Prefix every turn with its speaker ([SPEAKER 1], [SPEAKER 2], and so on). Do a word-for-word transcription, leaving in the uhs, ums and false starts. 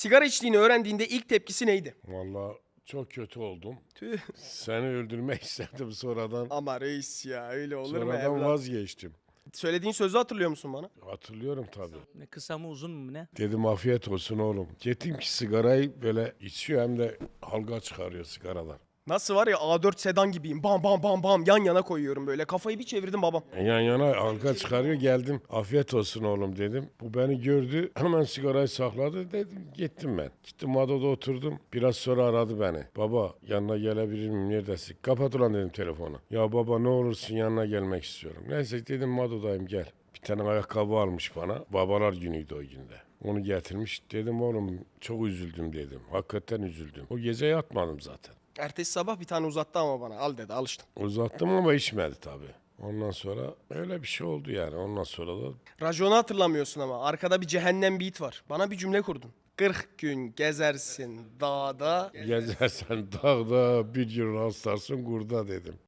[SPEAKER 1] Sigara içtiğini öğrendiğinde ilk tepkisi neydi?
[SPEAKER 2] Vallahi çok kötü oldum.
[SPEAKER 1] Tüh.
[SPEAKER 2] Seni öldürmek istedim sonradan.
[SPEAKER 1] Ama reis ya öyle olur mu
[SPEAKER 2] Sonradan
[SPEAKER 1] evlat?
[SPEAKER 2] vazgeçtim.
[SPEAKER 1] Söylediğin sözü hatırlıyor musun bana?
[SPEAKER 2] Hatırlıyorum tabii.
[SPEAKER 3] Ne kısa mı uzun mu ne?
[SPEAKER 2] Dedim afiyet olsun oğlum. Gittim ki sigarayı böyle içiyor hem de halka çıkarıyor sigaradan.
[SPEAKER 1] Nasıl var ya A dört sedan gibiyim. Bam bam bam bam yan yana koyuyorum böyle. Kafayı bir çevirdim babam.
[SPEAKER 2] Yan yana halka çıkarıyor geldim. Afiyet olsun oğlum dedim. Bu beni gördü. Hemen sigarayı sakladı dedim. Gittim ben. Gittim Mado'da oturdum. Biraz sonra aradı beni. Baba yanına gelebilir miyim? Neredesin? Kapat ulan dedim telefonu. Ya baba ne olursun yanına gelmek istiyorum. Neyse dedim Mado'dayım gel. Bir tane ayakkabı almış bana. Babalar günüydü o günde. Onu getirmiş. Dedim oğlum çok üzüldüm dedim. Hakikaten üzüldüm. O gece yatmadım zaten.
[SPEAKER 1] Ertesi sabah bir tane uzattı ama bana. Al dedi alıştım.
[SPEAKER 2] Uzattım ama içmedi tabii. Ondan sonra öyle bir şey oldu yani. Ondan sonra da
[SPEAKER 1] Raconu hatırlamıyorsun ama. Arkada bir cehennem beat var. Bana bir cümle kurdun. kırk gün gezersin dağda.
[SPEAKER 2] gezersen dağda bir yıl rastlarsın kurda dedim.